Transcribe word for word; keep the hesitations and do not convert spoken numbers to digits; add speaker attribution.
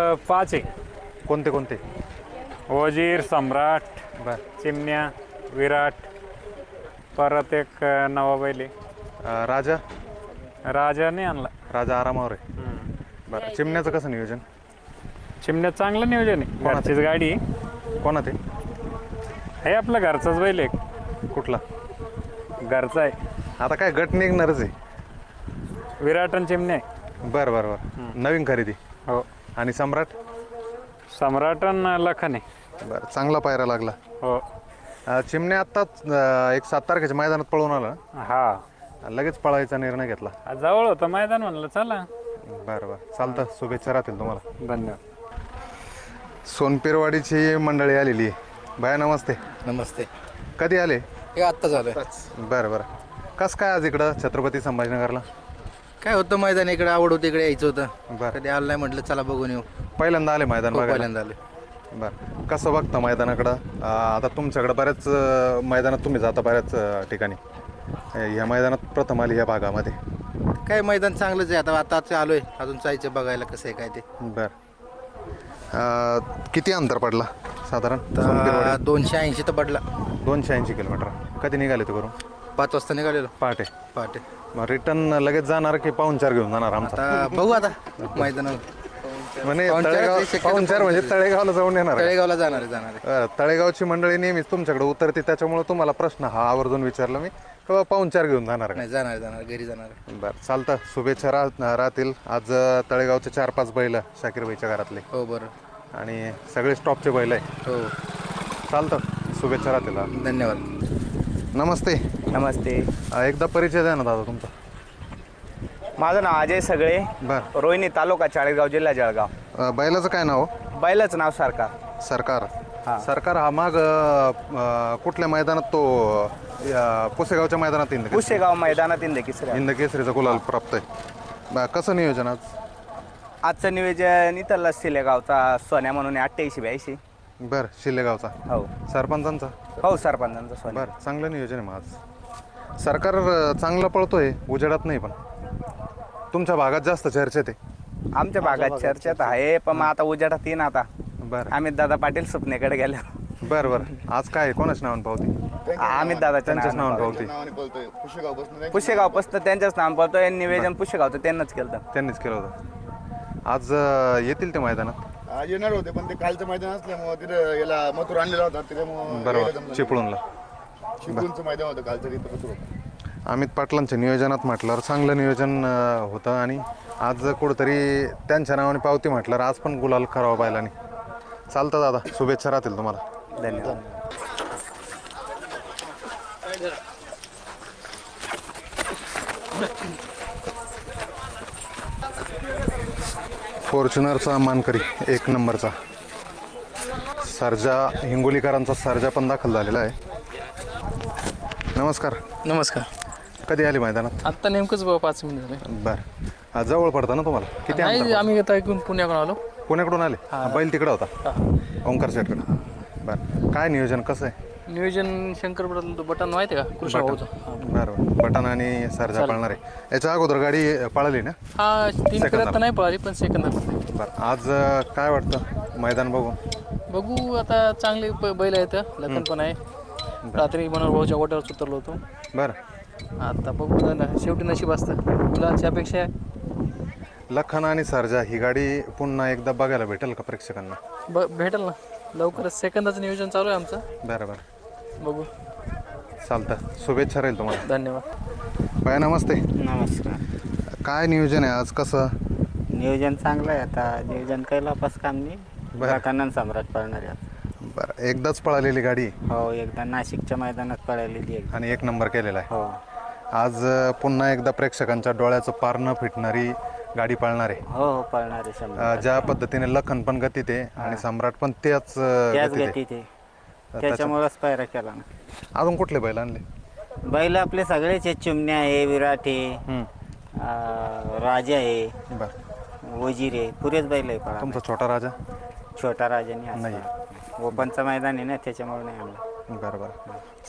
Speaker 1: आपल्याकडं पाच आहे.
Speaker 2: कोणते कोणते?
Speaker 1: वजीर, सम्राट,
Speaker 2: बर.
Speaker 1: चिमण्या, विराट, परत एक अ, नवा बैल आहे.
Speaker 2: अं, राजा
Speaker 1: राजा नाही आणला.
Speaker 2: राजा आरामावर आहे. बरं, चिमण्याचं कसं नियोजन?
Speaker 1: चिमण्यात चांगलं नियोजन आहे.
Speaker 2: कोणाचं?
Speaker 1: घरचीच गाडी आहे.
Speaker 2: कोणा ते?
Speaker 1: हे आपलं घरचाच बैल आहे.
Speaker 2: कुठला?
Speaker 1: घरचा आहे.
Speaker 2: आता काय गट निघणारच आहे.
Speaker 1: विराट आणि चिमण्या आहे.
Speaker 2: बरं बरं बरं, नवीन खरेदी.
Speaker 1: हो.
Speaker 2: आणि सम्राट?
Speaker 1: सम्राट आणि लखन आहे.
Speaker 2: बरं, चांगला पायरा लागला.
Speaker 1: हो.
Speaker 2: अं, चिमण्या आत्ताच अं, एक सात तारखेच्या मैदानात पळून आला
Speaker 1: हा,
Speaker 2: लगेच पळायचा निर्णय घेतला.
Speaker 1: आज जवळ होतं मैदान, म्हणलं चला.
Speaker 2: बरं बरं, चालतं. शुभेच्छा राहतील तुम्हाला.
Speaker 1: धन्यवाद.
Speaker 2: सोनपेरवाडीची मंडळी आलेली आहे. बाया नमस्ते.
Speaker 3: नमस्ते.
Speaker 2: कधी आले?
Speaker 3: हे आत्ता झालं.
Speaker 2: बरं बरं, कसं काय आज इकडं छत्रपती संभाजीनगरला?
Speaker 3: काय होतं, मैदान इकडे आवड होती, इकडे यायचं होतं.
Speaker 2: बरं.
Speaker 3: कधी आलं नाही, म्हटलं चला बघून येऊ.
Speaker 2: पहिल्यांदा आले मैदान
Speaker 3: हो,
Speaker 2: बघायला?
Speaker 3: पहिल्यांदा आले.
Speaker 2: बरं, कसं बघता मैदानाकडं? अं, आता तुमच्याकडं बऱ्याच अं, मैदानात तुम्ही जाता बऱ्याच अं, ठिकाणी. ह्या मैदानात प्रथम आली ह्या भागामध्ये.
Speaker 3: काय मैदान चांगलंच आहे. आता आताच आलोय, अजून जायचं बघायला कसं आहे काय ते.
Speaker 2: बरं, अं, किती अंतर पडला साधारण?
Speaker 3: तर
Speaker 2: सोनपेरवाडी
Speaker 3: दोनशे ऐंशी तर पडला.
Speaker 2: दोनशे ऐंशी किलोमीटर. कधी निघाले ते करून?
Speaker 3: पाच वाजता निघालेलो
Speaker 2: पहाटे.
Speaker 3: पहाटे.
Speaker 2: मग रिटर्न लगेच जाणार की पाहुणचार घेऊन जाणार आमचा?
Speaker 3: आता बघू आता मैदानावर.
Speaker 2: म्हणे
Speaker 3: पाहुणचार
Speaker 2: तळेगाव
Speaker 3: शक्यतो
Speaker 2: पाहुणचार म्हणजे तळेगावला जाऊन येणार का?
Speaker 3: तळेगावला जाणार आहे जाणार आहे.
Speaker 2: बरं, तळेगावची मंडळी नेहमीच तुमच्याकडे उतरते, त्याच्यामुळे तुम्हाला प्रश्न हा आवर्जून विचारला मी, किंवा पाहुणचार घेऊन जाणार का?
Speaker 3: नाही, जाणार आहे, जाणार घरी जाणार आहे.
Speaker 2: बरं, चालतं. शुभेच्छा राह राहतील. आज अं, तळेगावचे चार पाच बैल शाकीरबाईच्या घरातले,
Speaker 3: हो बरं.
Speaker 2: आणि सगळे स्टॉपचे बैल आहे.
Speaker 3: हो,
Speaker 2: चालतं, शुभेच्छा राहतील.
Speaker 3: धन्यवाद.
Speaker 2: नमस्ते.
Speaker 4: नमस्ते.
Speaker 2: अं, एकदा परिचय द्या ना दादा तुमचा.
Speaker 4: माझं नाव अजय सगळे,
Speaker 2: बरं.
Speaker 4: रोहिणी, तालुका चाळीसगाव, जिल्हा जळगाव.
Speaker 2: अं, बैलाचं काय नाव?
Speaker 4: बैलाचं नाव सरकार.
Speaker 2: सरकार.
Speaker 4: हा.
Speaker 2: सरकार हा माग अं, कुठल्या मैदानात तो अं, पुसेगावच्या मैदानात इंद
Speaker 4: पुशेगाव मैदानात इंद किसऱ्या.
Speaker 2: इंद केसरीचा गुलाल प्राप्त आहे. बरं, कसं नियोजन आज?
Speaker 4: आजचं नियोजन इथला सिलेगावचा सोन्या म्हणून अठ्ठ्याऐंशी ब्याऐंशी.
Speaker 2: बरं, शिल्लेगावचा
Speaker 4: हो
Speaker 2: सरपंचांचा.
Speaker 4: हो, सरपंचांचा सोन्या.
Speaker 2: बरं, चांगलं नियोजन आहे मग आज. सरकार अं, चांगलं पळतोय, उजेडात नाही, पण तुमच्या भागात जास्त चर्चेत आहे.
Speaker 4: आमच्या भागात चर्चेत आहे, पण मग आता उजेडात येईन. आता
Speaker 2: बरं
Speaker 4: अमित दादा पाटील सुपनेकडे गेल्या.
Speaker 2: बरं बरं, आज काय कोणाच नावानं पावती?
Speaker 4: अमित दादाच्या
Speaker 2: त्यांच्याच नावानं
Speaker 4: नावानं.
Speaker 2: पावती.
Speaker 4: पुशेगाव पासून त्यांच्याच नाव पळतोय. निवेदन पुशेगावचं त्यांनाच केलं.
Speaker 2: त्यांनीच केलं होतं. आज अं, येतील ते मैदानात?
Speaker 5: आज येणार होते, पण ते कालचं मैदान असल्यामुळं तिथं याला मथुर आणलेला होता, त्याच्यामुळं
Speaker 2: बरोबर, चिपळूणला.
Speaker 5: चिपळूणचं मैदान होतं कालचं, तिथं मथुर होतं.
Speaker 2: अमित पाटलांच्या नियोजनात म्हटल्यावर चांगलं नियोजन अं, होतं, आणि आज कुठंतरी त्यांच्या नावाने पावती म्हटल्यावर आज पण गुलाल करावा बैलांनी. चालतं दादा, शुभेच्छा राहतील तुम्हाला.
Speaker 4: धन्यवाद.
Speaker 2: फॉर्च्युनरचा मानकरी एक नंबरचा सर्जा, हिंगोलीकरांचा सर्जा पण दाखल झालेला आहे. नमस्कार.
Speaker 6: नमस्कार.
Speaker 2: कधी आले मैदानात?
Speaker 6: आत्ता नेमकंच बाबा पाच मिनिट झाले.
Speaker 2: बरं, आज जवळ पडतं ना तुम्हाला? किती
Speaker 6: नाही,
Speaker 2: अंतर?
Speaker 6: आम्ही आता ऐकून पुण्याकडून आलो.
Speaker 2: पुण्याकडून आले? बैल तिकडं होता, ओंकार शेटकडं. बरं, काय नियोजन कसं आहे?
Speaker 6: नियोजन शंकर बटन बटन माहिती आहे का, कृष्ण भाऊचं.
Speaker 2: बरं, बटन आणि सर्जा पळणार आहे. याच्या अगोदर गाडी पळाली ना?
Speaker 6: हा, तीन
Speaker 2: सेकंदाला.
Speaker 6: तर नाही पळाली, पण सेकंद.
Speaker 2: बरं, आज अं, काय वाटतं मैदान बघून?
Speaker 6: बघू आता, चांगले ब- बैल आहेत. लखन पण आहे. रात्री मनोहर भाऊच्या गोट्यावर उतरलो होतो.
Speaker 2: बरं,
Speaker 6: आता बघू ना, शेवटी नशीब असतं. मुलाची अपेक्षा आहे.
Speaker 2: लखन आणि सर्जा ही गाडी पुन्हा एकदा बघायला भेटेल का प्रेक्षकांना?
Speaker 6: ब भेटेल ना लवकरच. सेकंदाचं नियोजन चालू आहे आमचं.
Speaker 2: बरं बरं,
Speaker 6: बघू.
Speaker 2: चालतं. शुभेच्छा राहील तुम्हाला.
Speaker 6: धन्यवाद.
Speaker 2: बाय नमस्ते.
Speaker 4: नमस्कार.
Speaker 2: काय नियोजन आहे आज? कसं
Speaker 4: नियोजन चांगलं आहे. आता नियोजन काही लापास काम नाही.
Speaker 2: बरं.
Speaker 4: कन्नन सम्राट पळणार आहे.
Speaker 2: बरं, एकदाच पळालेली गाडी
Speaker 4: हो, एकदा नाशिकच्या मैदानात पळालेली आहे.
Speaker 2: आणि एक नंबर केलेला आहे.
Speaker 4: हो.
Speaker 2: आज अं, पुन्हा एकदा प्रेक्षकांच्या डोळ्याचं पार न फिटणारी गाडी पळणार आहे.
Speaker 4: हो हो, पळणार आहे शंभर.
Speaker 2: अं, ज्या पद्धतीने लखन पण गतीत आहे आणि सम्राट पण त्याच अं,
Speaker 4: त्याच
Speaker 2: गतीत आहे.
Speaker 4: गती ते, त्याच्यामुळेच पायरा केला ना.
Speaker 2: अजून कुठले बैल आणले?
Speaker 4: बैल आपले सगळेच आहेत. चिमण्या आहे, विराट आहे,
Speaker 2: हम्म.
Speaker 4: अं, राजा आहे,
Speaker 2: बरं,
Speaker 4: वजीर आहे, पुरेच बैल आहे पळा.
Speaker 2: तुमचा छोटा राजा?
Speaker 4: छोटा राजाने
Speaker 2: नाही.
Speaker 4: ओपनचं मैदान आहे ना, त्याच्यामुळे नाही आणला.
Speaker 2: बरं बरं.